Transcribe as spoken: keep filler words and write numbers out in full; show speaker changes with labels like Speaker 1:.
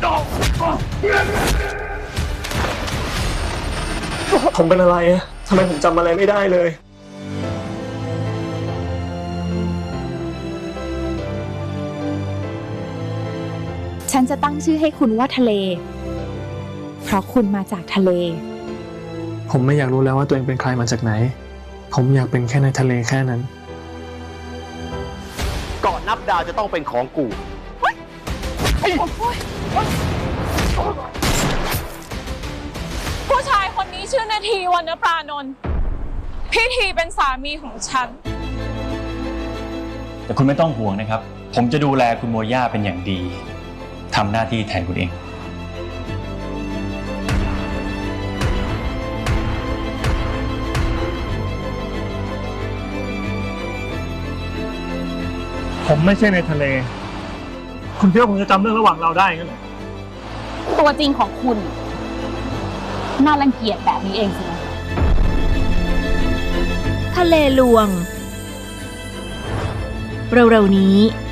Speaker 1: ผมเป็นอะไรอะทำไมผมจำอะไรไม่ได้เลย
Speaker 2: ฉันจะตั้งชื่อให้คุณว่าทะเลเพราะคุณมาจากทะเล
Speaker 1: ผมไม่อยากรู้แล้วว่าตัวเองเป็นใครมาจากไหนผมอยากเป็นแค่ในทะเลแค่นั้น
Speaker 3: ก่อนนับดาวจะต้องเป็นของกู
Speaker 4: ผู้ชายคนนี้ชื่อนาทีวรรณปรานนท์พี่ทีเป็นสามีของฉัน
Speaker 5: แต่คุณไม่ต้องห่วงนะครับผมจะดูแลคุณโมย่าเป็นอย่างดีทำหน้าที่แทนคุณเอง
Speaker 1: ผมไม่ใช่ในทะเลคุณคิดว่าผมจะจำเรื่องระหว่างเราได้งั้นเหรอ
Speaker 2: ตัวจริงของคุณน่ารังเกียจแบบนี้เองสินะ
Speaker 6: ทะเลลวงเร็วๆนี้